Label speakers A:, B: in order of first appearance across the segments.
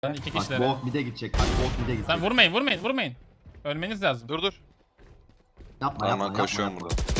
A: Ben iki
B: Bak
A: kişilere.
B: Bolt mid'e gidecek. Bak Bolt mid'e gidecek.
A: Sen vurmayın. Ölmeniz lazım.
C: Dur.
B: Yapma
C: Tamam
B: yapma
C: koşuyorum
B: yapma.
C: burada.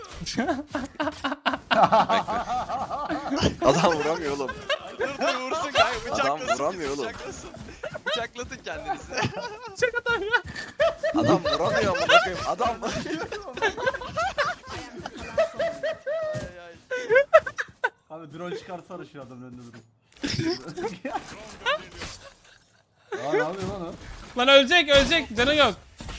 C: Adam vuramıyor oğlum.
D: Dur vursun kanka
C: Adam
D: bıçaklasın.
C: vuramıyor oğlum.
D: Bıçaklatın kendinizi.
A: Çok atam ya.
C: Adam vuramıyor amına koyayım. Adam.
E: Abi drone çıkarsana şu adamın önünde durup. Aa ne yapıyor lan o?
A: Lan ölecek. Canı yok.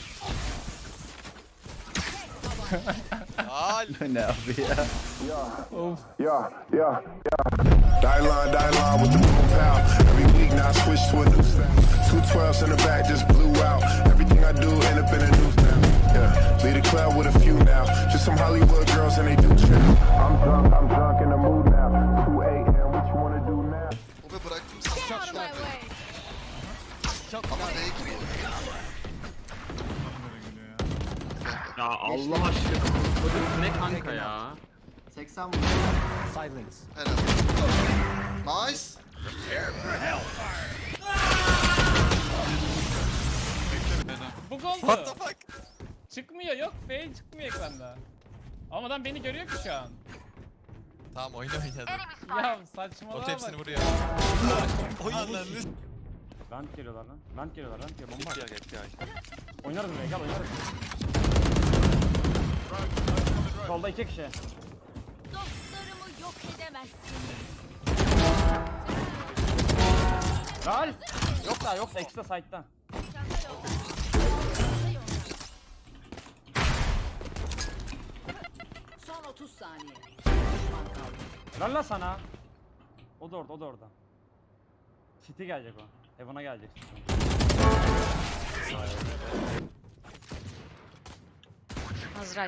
D: Al.
E: Ne abi ya?
A: Of.
F: Yeah. Die line with the boom pow. Every week now I switch to a new style. 212s in the back just blew out. Everything I do end up in the news now. Yeah, lead a club with a few now. Just some Hollywood girls and they do trip. I'm drunk in the mood now. 2 a.m. What you wanna do now?
G: Obe bıraktım sana şu an. Ama neye giriyor?
H: Ya Allah aşkına. Bu ne kanka ya?
B: 80 vurdu.
G: Helal. Nice.
A: Bu gol
D: What the fuck?
A: Çıkmıyor yok. Fail çıkmıyor ekranda. Ama adam beni görüyor ki şu an.
D: Tamam oyna oynadı.
A: Ya saçmalama
D: Ot hepsini
A: bak.
D: vuruyor. Oynandı.
E: Vent geliyorlar lan. Vent geliyorlar bomba.
D: Gitti ya.
E: Oynarız buraya gel oynarız. Solda 2 kişi.
I: Dostlarımı yok edemezsiniz.
E: Lan! Yok da ikisi de side'da.
I: Son 30 saniye.
E: Lan sana. O da orada. City gelecek o. Heaven'a gelecek.
I: Azrail.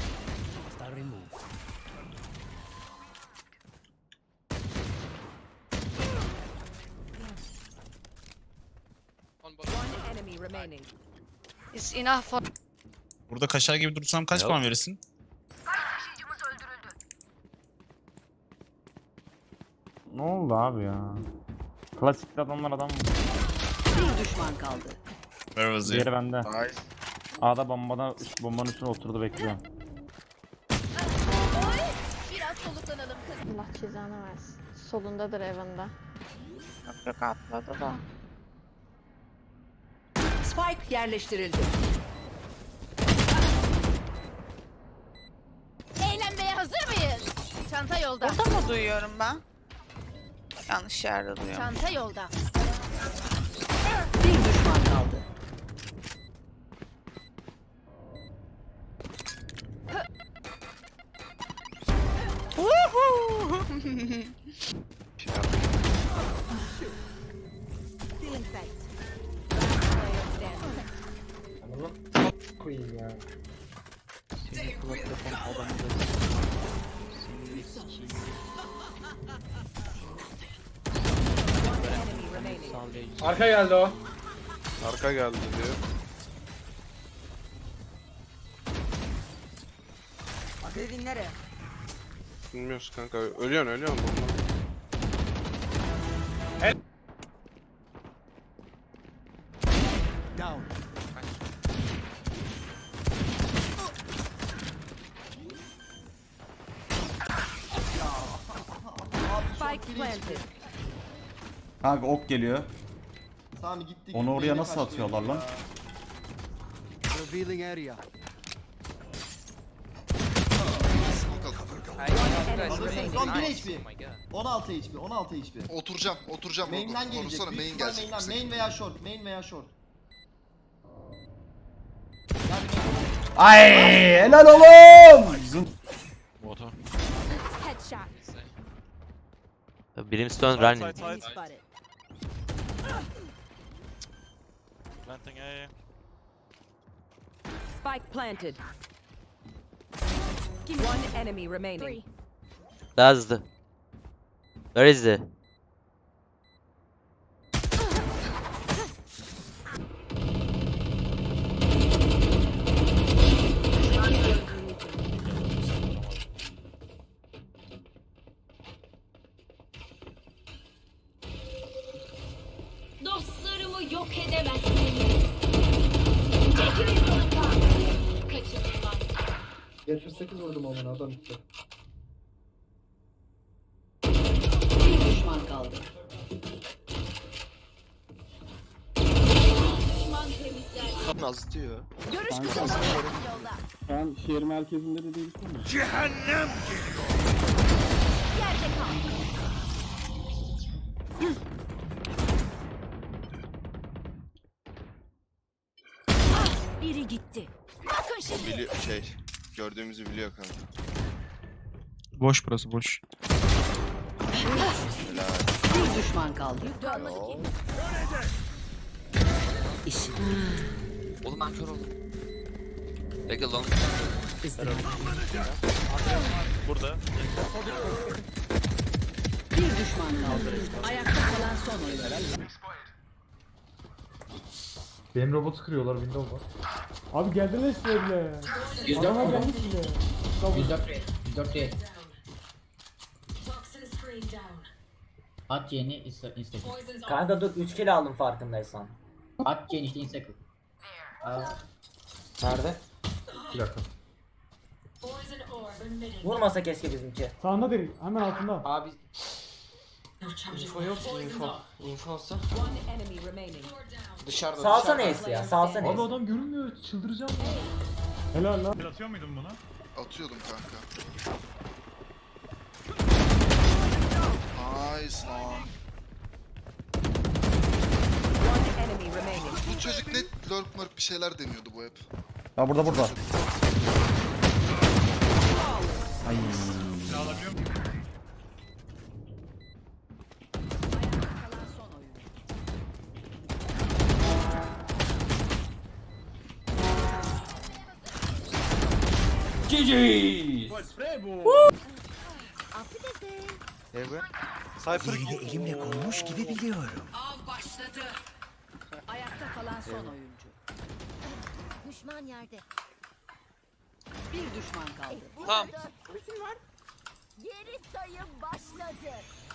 I: One enemy remaining. Is enough for
J: Burada kaşar gibi dursam kaç puan verirsin?
E: Ne oldu abi ya? Klasik adamlar adam
I: bir düşman kaldı.
J: Where was
E: diğeri
J: he?
E: bende.
C: Nice.
E: A'da bombanın üstüne oturdu bekliyor.
I: Biraz soluklanalım kız.
K: Allah cezanı versin. Solundadır evinde. Yok atladı da.
I: Spike yerleştirildi. Eğlenmeye hazır mıyız? Çanta yolda.
K: Burada mı duyuyorum ben? Yanlış yerde duyuyorum.
I: Çanta yolda. Bir düşman kaldı. Feeling sight.
A: Arka geldi o.
C: Arka geldi diyor.
I: Devin nereye?
C: Bilmiyoruz kanka. Ölüyorsun bomba.
I: Spike planted.
E: Kanka ok geliyor.
B: Sami gitti.
E: Onu oraya
B: Beyne
E: nasıl
B: kaçtı
E: atıyorlar lan?
B: ya.
G: Smoke alalım.
B: Son 1 HP. 16 HP. 16 HP.
G: Oturacağım.
B: Main'den gelecek.
G: Korusana
B: Büyük
G: main
B: ihtimal
G: gelecek.
B: main'den. Main veya short. Main veya short.
E: Ay helal oğlum.
I: Headshot.
H: Brimstone running.
I: Spotted. Spike planted. One enemy remaining.
H: That's the. Where is the?
K: Yok edemezsiniz. Çekilin yolumdan. Kaçınılmaz.
B: 78 vurdum ona adam gitti.
I: Bir düşman kaldı.
K: Düşman temizler.
C: Naz diyor.
K: Görüş kısıtlanıyor. Yolda.
E: Ben şehir merkezinde de değilsin mi?
K: Yerde kal. Biri gitti. Bakın şimdi.
G: Gördüğümüzü biliyor kanka.
J: Boş burası boş.
I: Bir düşman kaldı.
K: Kalmadı ki.
I: İşi
D: Oğlum ben kör oldum. Bekle lan.
J: Burada.
I: bir düşman kaldı. Ayakta kalan son oyuncu.
E: Benim robotu kırıyorlar, Windows var. Abi geldiler işte bile. 104 gelmiş bile.
B: 104 değil. At yeni Instagram.
H: Kanka dur 3 kilo aldım farkındaysan.
B: At yeni işte Instagram.
H: Nerede?
E: Bir dakika.
H: Vurmasa keşke bizimki.
E: Sağında değil, hemen altında.
H: Abi info yok ki info. Info olsa.
I: One enemy remaining.
H: Dışarıda. Salsa neyse ya salsa
E: Abi
H: neyse.
E: adam görünmüyor, çıldıracağım ya. Helal lan.
G: Atıyordum kanka. Nice lan.
I: One enemy remaining.
G: Bu çocuk net lurk murk bir şeyler deniyordu bu hep.
E: Ha burada.
I: Kalan son oyuncu. Av başladı. Ayakta kalan son oyuncu.
K: Düşman yerde.
I: Bir düşman kaldı.
D: Tamam.
K: Geri sayım başladı.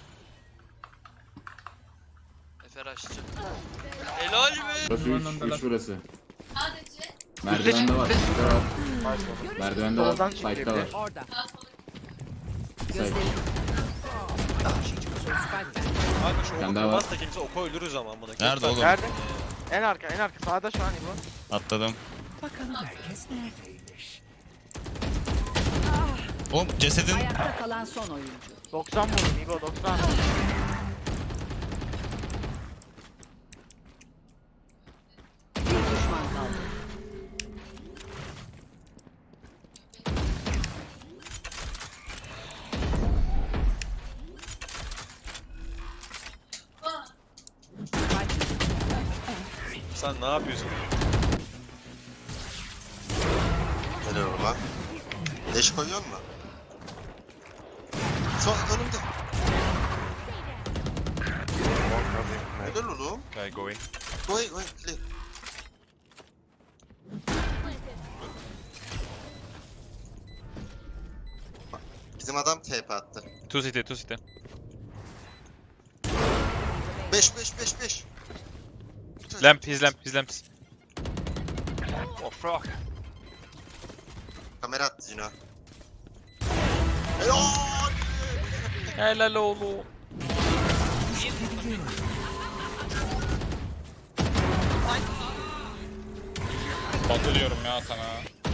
D: Efer açacak. Helal be.
E: Burası 3 burası.
K: Sadece.
E: Merdivende var. Merdivende var. Site'da var.
I: Orada. Gözlerim.
C: Kanka şu
E: Sen daha var.
C: kimse oku ölürüz ama amına.
J: Nerede oğlum?
C: Nerede? En arka sağda şu an bu.
J: Atladım. Oğlum cesedin
I: Ayakta kalan son oyuncu.
C: 90 vurdum İbo 90.
I: Bir düşman kaldı.
C: Sen ne yapıyorsun?
G: Ne diyor lan? Leş koyuyor mu? Şu an önümde. Helal oğlum.
C: Okay, going.
G: Go clear. Bizim adam TP attı.
C: Two city.
G: 5.
C: Lamp, his lamp. Oh fuck.
G: Kamera attı Cino. Helal!
C: Helal oğlum.
A: Batu diyorum ya sana.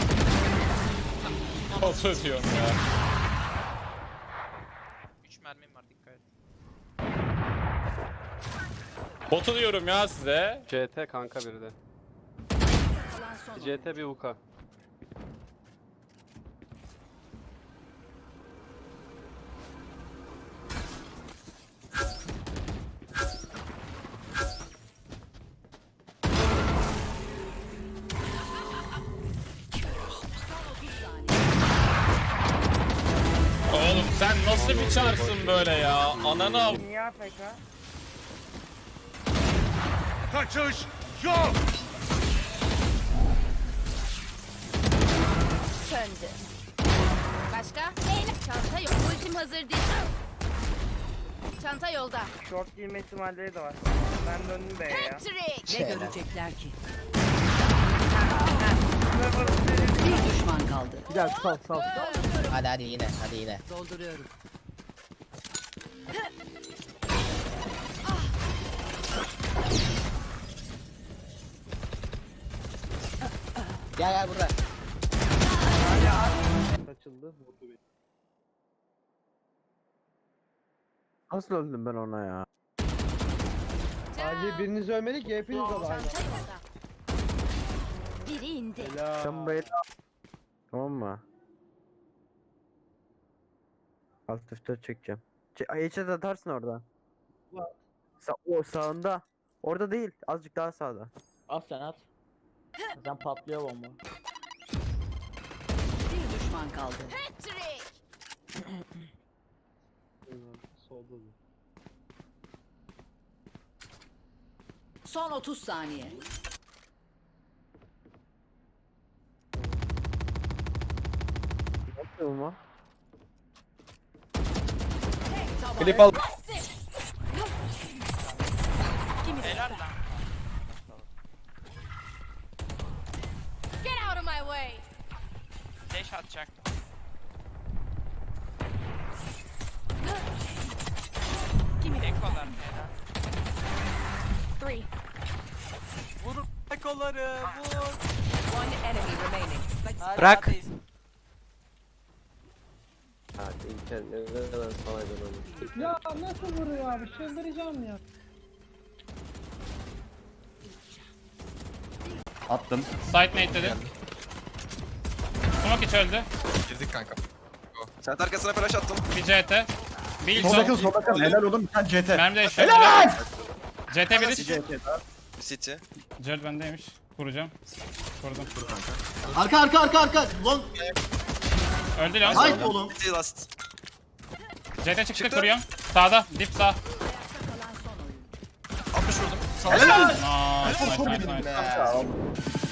A: Batu diyorum ya.
D: 3 mermim var dikkat et.
A: Batu diyorum ya size.
C: CT kanka biri de.
I: Kalan son oyuncu.
C: CT bir UK.
A: Oğlum sen nasıl bir çarsın böyle ya? Ananı av.
C: Kaçış yok.
K: Söndü. Başka? Çanta yok. Ultim hazır değil.
I: Çanta yolda.
H: Short giyme ihtimalleri de var. Ben döndüm B'ye ya.
I: Ne görecekler ki? Bir düşman kaldı.
E: Gel sal.
B: Hadi yine.
I: Dolduruyorum.
B: Gel burada.
E: Açıldı. Vurdu beni. Nasıl öldüm ben ona ya? Sadece biriniz ölmedi ki hepiniz öldü.
I: Çanta yolda. Biri indi.
E: Sen böyle... Tamam mı? Alt F4 çekeceğim. Headshot atarsın orada. O sağında. Orada değil. Azıcık daha sağda.
B: At sen at. Sen patlıyor bomba.
I: Bir düşman kaldı.
E: Solda.
I: Son 30 saniye.
E: Yapmıyor mu?
A: Klip al.
C: Helal lan.
I: Get out of my way.
C: Dash atacak. Ekolar helal.
I: 3.
C: Vur ekoları vur.
I: One enemy remaining.
C: Bırak.
E: Hadi internet neden salaydı onu?
A: Ya nasıl vuruyor abi? Çıldıracağım ya.
J: Attım.
A: Side nade dedi. Smoke hiç öldü.
J: Girdik kanka.
G: Sen arkasına flash attım.
A: Bir CT. Bir
J: Solda kal,
A: son.
J: solda kal. Helal oğlum, bir tane CT.
A: Mermi de eşya. Helal! CT biri.
G: City.
A: Jared bendeymiş. Kuracağım. Kurdum.
B: Arka. Long.
A: Öldü lan.
B: Hayır oğlum.
G: City last.
A: CT çıktı kuruyorum. Sağda. Dip sağ.
G: 60 vurdum.
A: Nice.